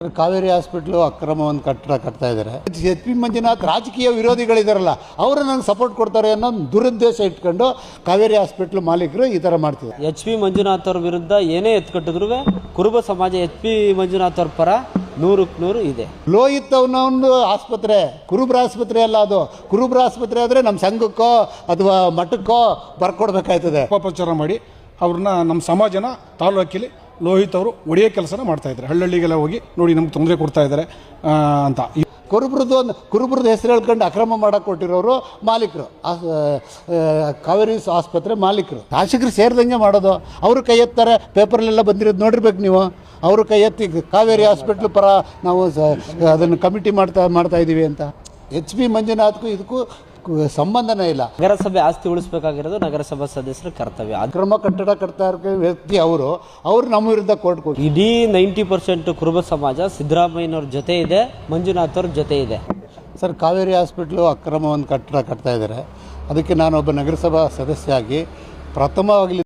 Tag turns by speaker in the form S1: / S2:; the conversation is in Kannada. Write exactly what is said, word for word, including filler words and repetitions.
S1: ಕಾವೇರಿ ಹಾಸ್ಪಿಟ್ಲು ಅಕ್ರಮವನ್ನು ಕಟ್ಟಡ ಕಟ್ತಾ ಇದ್ದಾರೆ. ಎಚ್ ಪಿ ಮಂಜುನಾಥ್ ರಾಜಕೀಯ ವಿರೋಧಿಗಳಿದಾರಲ್ಲ ಅವರು ನನಗೆ ಸಪೋರ್ಟ್ ಕೊಡ್ತಾರೆ ಅನ್ನೋ ದುರುದ್ದೇಶ ಇಟ್ಕೊಂಡು ಕಾವೇರಿ ಹಾಸ್ಪಿಟ್ಲು ಮಾಲೀಕರು ಈ ಥರ ಮಾಡ್ತಿದ್ದಾರೆ.
S2: ಎಚ್ ಪಿ ಮಂಜುನಾಥ್ ಅವ್ರ ವಿರುದ್ಧ ಏನೇ ಎತ್ಕಟ್ಟಿದ್ರು ಕುರುಬ ಸಮಾಜ ಎಚ್ ಪಿ ಮಂಜುನಾಥ್ ಅವ್ರ ಪರ ನೂರಕ್ಕೆ ನೂರು ಇದೆ.
S1: ಲೋಹಿತ್ ಅವನೊಂದು ಆಸ್ಪತ್ರೆ ಕುರುಬ್ರ ಆಸ್ಪತ್ರೆ ಅಲ್ಲ, ಅದು ಕುರುಬ್ರ ಆಸ್ಪತ್ರೆ ಆದರೆ ನಮ್ಮ ಸಂಘಕ್ಕೋ ಅಥವಾ ಮಠಕ್ಕೋ ಬರ್ಕೊಡ್ಬೇಕಾಯ್ತದೆ.
S3: ಅಪಪ್ರಚಾರ ಮಾಡಿ ಅವ್ರನ್ನ ನಮ್ಮ ಸಮಾಜನ ತಾಲೂಕಲ್ಲಿ ಲೋಹಿತ್ ಅವರು ಒಡೆಯೋ ಕೆಲಸನ ಮಾಡ್ತಾ ಇದ್ದಾರೆ. ಹಳ್ಳಿಗಳಿಗೆಲ್ಲ ಹೋಗಿ ನೋಡಿ ನಮ್ಗೆ ತೊಂದರೆ ಕೊಡ್ತಾ ಇದ್ದಾರೆ ಅಂತ.
S1: ಕುರುಬ್ರದ್ದು ಒಂದು ಕುರುಬ್ರದ್ದು ಹೆಸರು ಹೇಳ್ಕೊಂಡು ಅಕ್ರಮ ಮಾಡಕ್ಕೆ ಕೊಟ್ಟಿರೋರು ಮಾಲೀಕರು, ಕಾವೇರಿ ಆಸ್ಪತ್ರೆ ಮಾಲೀಕರು. ಶಾಸಕರು ಸೇರಿದಂಗೆ ಮಾಡೋದು. ಅವರು ಕೈ ಎತ್ತಾರೆ, ಪೇಪರ್ಲೆಲ್ಲ ಬಂದಿರೋದು ನೋಡಿರ್ಬೇಕು ನೀವು. ಅವರು ಕೈ ಎತ್ತಿ ಕಾವೇರಿ ಹಾಸ್ಪಿಟ್ಲ್ ಪರ ನಾವು ಅದನ್ನು ಕಮಿಟಿ ಮಾಡ್ತಾ ಮಾಡ್ತಾ ಇದ್ದೀವಿ ಅಂತ. ಎಚ್ ಪಿ ಮಂಜುನಾಥ್ಗೂ ಇದಕ್ಕೂ ಸಂಬಂಧನೇ ಇಲ್ಲ.
S2: ನಗರಸಭೆ ಆಸ್ತಿ ಉಳಿಸಬೇಕಾಗಿರೋದು ನಗರಸಭಾ ಸದಸ್ಯರ ಕರ್ತವ್ಯ.
S1: ಅಕ್ರಮ ಕಟ್ಟಡ ಕಟ್ತಾ ಇರೋ ವ್ಯಕ್ತಿ ಅವರು ಅವರು ನಮ್ಮ ವಿರುದ್ಧ ಕೋರ್ಟ್ ಕೊಟ್ಟು
S2: ಇಡೀ ನೈಂಟಿ ಪರ್ಸೆಂಟ್ ಕುರುಬ ಸಮಾಜ ಸಿದ್ದರಾಮಯ್ಯನವ್ರ ಜೊತೆ ಇದೆ, ಮಂಜುನಾಥ್ ಅವ್ರ ಜೊತೆ ಇದೆ.
S1: ಸರ್, ಕಾವೇರಿ ಹಾಸ್ಪಿಟ್ಲು ಅಕ್ರಮವನ್ನು ಕಟ್ಟಡ ಕಟ್ತಾ ಇದ್ದಾರೆ. ಅದಕ್ಕೆ ನಾನೊಬ್ಬ ನಗರಸಭಾ ಸದಸ್ಯ ಆಗಿ ಪ್ರಥಮವಾಗಿ